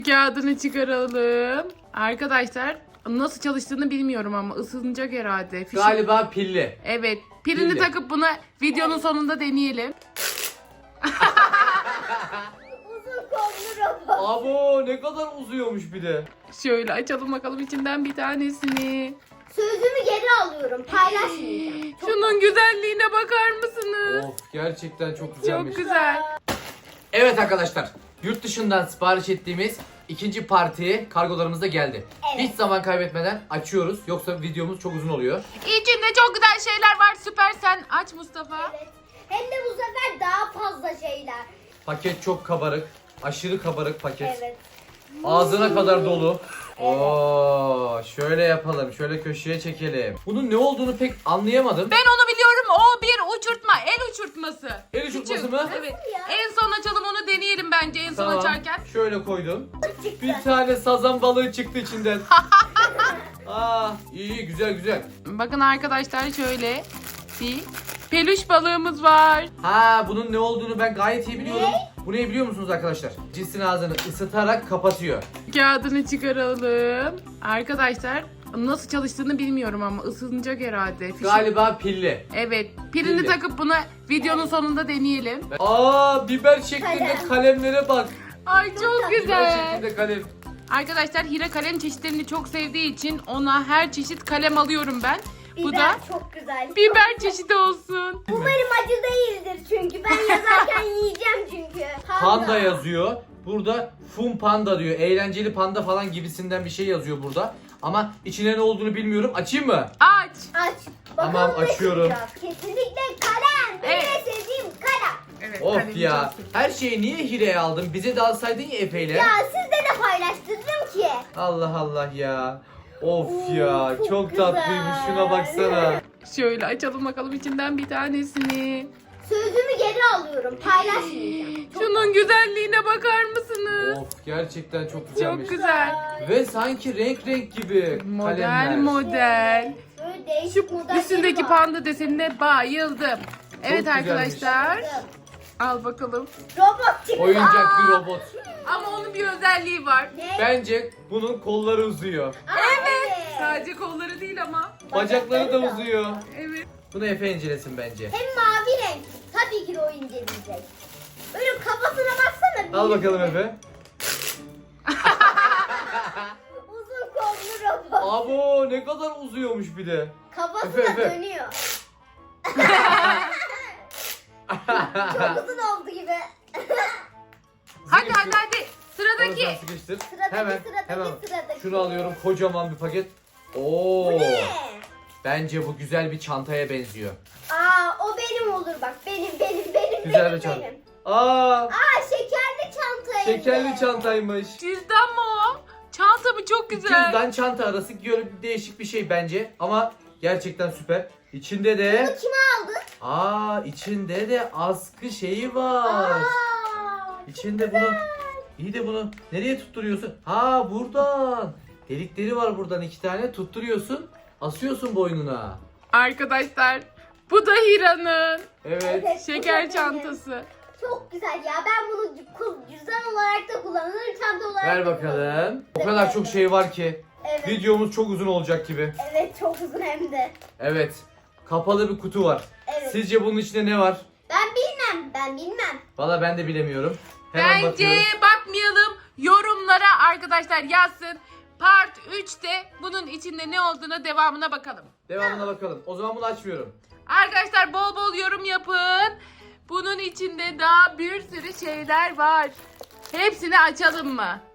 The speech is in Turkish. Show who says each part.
Speaker 1: Kağıdını çıkaralım. Arkadaşlar nasıl çalıştığını bilmiyorum ama ısınacak herhalde.
Speaker 2: Galiba pilli.
Speaker 1: Evet. Pilini
Speaker 2: Pilli.
Speaker 1: takıp bunu videonun sonunda deneyelim.
Speaker 3: Uzun kollu robot.
Speaker 2: Abo ne kadar uzuyormuş bir de.
Speaker 1: Şöyle açalım bakalım içinden bir tanesini.
Speaker 3: Sözümü geri alıyorum. Paylaşmayacağım.
Speaker 1: Şunun güzelliğine bakar mısınız?
Speaker 2: Of gerçekten çok güzelmiş.
Speaker 1: Çok güzel.
Speaker 2: Evet arkadaşlar, yurt dışından sipariş ettiğimiz ikinci parti kargolarımız da geldi.
Speaker 3: Evet.
Speaker 2: Hiç zaman kaybetmeden açıyoruz, yoksa videomuz çok uzun oluyor.
Speaker 1: İçinde çok güzel şeyler var. Süper, sen aç Mustafa.
Speaker 3: Evet. Hem de bu sefer daha fazla şeyler.
Speaker 2: Paket çok kabarık, aşırı kabarık paket.
Speaker 3: Evet.
Speaker 2: Ağzına kadar dolu. Oo, şöyle yapalım, şöyle köşeye çekelim. Bunun ne olduğunu pek anlayamadım.
Speaker 1: Ben onu biliyorum. O bir uçurtma. El uçurtması.
Speaker 2: El uçurtması
Speaker 1: Küçük.
Speaker 2: mı?
Speaker 1: Evet.
Speaker 3: ya?
Speaker 1: En son açalım, onu deneyelim bence en son
Speaker 2: Tamam,
Speaker 1: açarken.
Speaker 2: şöyle koydum.
Speaker 3: Çıktı.
Speaker 2: Bir tane sazan balığı çıktı içinden. Aa, iyi güzel güzel.
Speaker 1: Bakın arkadaşlar, şöyle bir peluş balığımız var.
Speaker 2: Ha, bunun ne olduğunu ben gayet iyi biliyorum. Bu ne biliyor musunuz arkadaşlar? Cinsin ağzını ısıtarak kapatıyor.
Speaker 1: Kağıdını çıkaralım. Arkadaşlar nasıl çalıştığını bilmiyorum ama ısınacak herhalde.
Speaker 2: Galiba pilli.
Speaker 1: Evet. Pilini
Speaker 2: Pilli.
Speaker 1: takıp bunu videonun sonunda deneyelim.
Speaker 2: Aa, biber şeklinde
Speaker 3: Kalem.
Speaker 2: kalemlere bak.
Speaker 1: Ay çok
Speaker 2: Biber
Speaker 1: güzel.
Speaker 2: şeklinde kalem.
Speaker 1: Arkadaşlar Hira kalem çeşitlerini çok sevdiği için ona her çeşit kalem alıyorum ben. Bu
Speaker 3: Biber
Speaker 1: da
Speaker 3: çok güzel.
Speaker 1: biber çeşidi olsun.
Speaker 3: Umarım acı değildir çünkü. Ben yazarken yiyeceğim çünkü.
Speaker 2: Panda yazıyor. Burada fun panda diyor. Eğlenceli panda falan gibisinden bir şey yazıyor burada. Ama içine ne olduğunu bilmiyorum. Açayım mı?
Speaker 1: Aç.
Speaker 3: Aç.
Speaker 2: Tamam,
Speaker 3: Bakalım ne
Speaker 2: açıyorum.
Speaker 3: çıkacak. Kesinlikle kalem. Benim
Speaker 1: Evet.
Speaker 3: en sevdiğim kalem.
Speaker 1: Evet,
Speaker 2: Of
Speaker 1: kalemi
Speaker 2: ya.
Speaker 1: çok seviyorum.
Speaker 2: Her şeyi niye Hire'ye aldın? Bize de alsaydın ya Efe'yle.
Speaker 3: Ya sizle de paylaştırdım ki.
Speaker 2: Allah Allah ya. Of
Speaker 3: Oo,
Speaker 2: ya.
Speaker 3: çok
Speaker 2: Çok
Speaker 3: güzel.
Speaker 2: tatlıymış. Şuna baksana.
Speaker 1: Şöyle açalım bakalım içinden bir tanesini.
Speaker 3: Sözümü geri alıyorum. Paylaşmayacağım.
Speaker 1: Şunun güzelliğine bakar mısınız?
Speaker 2: Of gerçekten çok güzelmiş.
Speaker 1: Çok güzel.
Speaker 2: Ve sanki renk renk gibi
Speaker 1: Model
Speaker 2: kalemler.
Speaker 1: model.
Speaker 3: Böyle değişik
Speaker 1: Şu
Speaker 3: modelleri
Speaker 1: üstündeki
Speaker 3: var.
Speaker 1: panda desenine bayıldım. Evet
Speaker 2: güzelmiş.
Speaker 1: arkadaşlar. Al bakalım.
Speaker 3: Robot çıktı.
Speaker 2: Oyuncak bir robot.
Speaker 1: Ama onun bir özelliği var.
Speaker 3: Ne?
Speaker 2: Bence bunun kolları uzuyor.
Speaker 3: Aa,
Speaker 1: Evet. Sadece kolları değil ama.
Speaker 2: Bacakları da uzuyor.
Speaker 1: Evet.
Speaker 2: Bunu Efe incelesin bence.
Speaker 3: Hem mavi renk. Tabii ki de o inceleyecek. Böyle kafasına baksana.
Speaker 2: Al bakalım Efe.
Speaker 3: Uzun kollu robot.
Speaker 2: Abo ne kadar uzuyormuş bir de.
Speaker 3: Kafası
Speaker 2: Efe,
Speaker 3: da
Speaker 2: Efe.
Speaker 3: dönüyor. Çok uzun oldu gibi.
Speaker 1: Hadi hadi hadi.
Speaker 2: Oradan
Speaker 1: Sıradaki.
Speaker 2: sıkıştır.
Speaker 3: Sıradaki,
Speaker 2: Hemen
Speaker 3: sıradaki,
Speaker 2: hemen.
Speaker 3: sıradaki.
Speaker 2: Şunu alıyorum, kocaman bir paket. Oo.
Speaker 3: Bu ne?
Speaker 2: Bence bu güzel bir çantaya benziyor.
Speaker 3: Aa, o benim olur bak. Benim.
Speaker 2: Güzel
Speaker 3: benim,
Speaker 2: bir çanta.
Speaker 3: benim.
Speaker 2: Aa,
Speaker 3: Aa, şekerli çanta hem de.
Speaker 2: şekerli çantaymış.
Speaker 1: Cüzdan mı o? Çanta mı? Çok güzel.
Speaker 2: Cüzdan çanta arası değişik bir şey bence ama gerçekten süper. İçinde
Speaker 3: Bunu
Speaker 2: de
Speaker 3: kime aldın?
Speaker 2: içinde de askı şeyi var.
Speaker 3: Aa,
Speaker 2: İçinde bunu iyi de bunu nereye tutturuyorsun? Ha, buradan. Delikleri var buradan, 2 tane tutturuyorsun. Asıyorsun boynuna.
Speaker 1: Arkadaşlar bu da Hira'nın
Speaker 2: Evet.
Speaker 3: Evet.
Speaker 1: şeker
Speaker 3: Bu da
Speaker 1: çantası.
Speaker 3: çok güzel ya. Ben bunu cüzdan olarak da kullanırım. Çanta olarak
Speaker 2: Ver
Speaker 3: da kullanırım.
Speaker 2: bakalım. O kadar çok şey var ki.
Speaker 3: Evet.
Speaker 2: Videomuz çok uzun olacak gibi.
Speaker 3: Evet, çok uzun hem de.
Speaker 2: Evet. Kapalı bir kutu var.
Speaker 3: Evet.
Speaker 2: Sizce bunun içinde ne var?
Speaker 3: Ben bilmem.
Speaker 2: Valla ben de bilemiyorum. Hemen
Speaker 1: Bence
Speaker 2: bakıyoruz.
Speaker 1: bakmayalım. Yorumlara arkadaşlar yazsın. Part 3'te bunun içinde ne olduğuna devamına bakalım.
Speaker 2: Devamına bakalım. O zaman bunu açmıyorum.
Speaker 1: Arkadaşlar bol bol yorum yapın. Bunun içinde daha bir sürü şeyler var. Hepsini açalım mı?